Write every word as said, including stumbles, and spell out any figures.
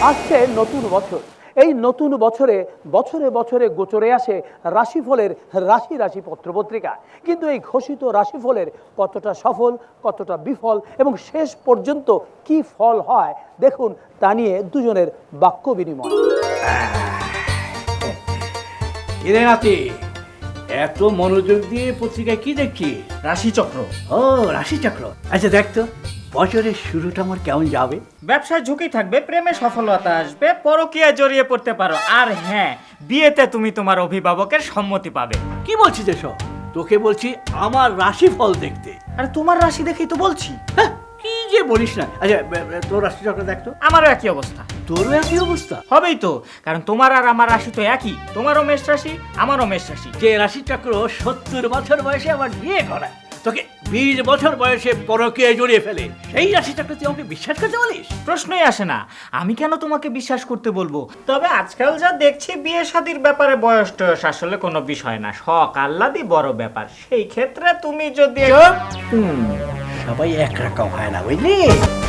আসছে নতুন বছর। এই নতুন বছরে বছরে বছরে গোচরে আসে রাশিফলের রাশি রাশি পত্রপত্রিকা। কিন্তু এই ঘোষিত রাশিফলের কতটা সফল, কতটা বিফল এবং শেষ পর্যন্ত কি ফল হয় দেখুন, তা নিয়ে দুজনের বাক্য বিনিময়। কিরে নাতি, এত মনোযোগ দিয়ে পত্রিকায় কি দেখছি? রাশিচক্র। ও রাশিচক্র। আচ্ছা দেখ তো, বছরের শুরুটা আমার কেমন যাবে? ব্যবসায় ঝুঁকি থাকবে, প্রেমে সফলতা আসবে, পরকীয়ায় জড়িয়ে পড়তে পারো, আর হ্যাঁ, বিয়েতে তুমি তোমার অভিভাবকের সম্মতি পাবে। কি বলছিস এসব? তোকে বলছি আমার রাশিফল দেখতে। আর তোমার রাশি দেখেই তো বলছি। হ্যাঁ, কি যে বলিস না। আচ্ছা বে- বে- তোর রাশিচক্র দেখ তো। আমারও একই অবস্থা। তোরও একই অবস্থা? হবেই তো, কারণ তোমার আর আমার রাশি তো একই। তোমারও মেষ রাশি, আমারও মেষ রাশি। যে রাশিচক্র সত্তর বছর বয়সে আমার বিয়ে করায়, তোকে বিশ বছর বয়সে পরকীয়ায় জড়িয়ে ফেলে, সেই রাশিচক্র তুই আমাকে বিশ্বাস করতে বলিস? প্রশ্নই আসে না, আমি কেন তোমাকে বিশ্বাস করতে বলবো? তবে আজকাল যা দেখছি, বিয়ে শাদীর ব্যাপারে বয়স টয়স আসলে কোনো বিষয় না, শখ আহ্লাদই বড় ব্যাপার। সেই ক্ষেত্রে তুমি যদি সবাই একরকম হয় না, বুঝলি?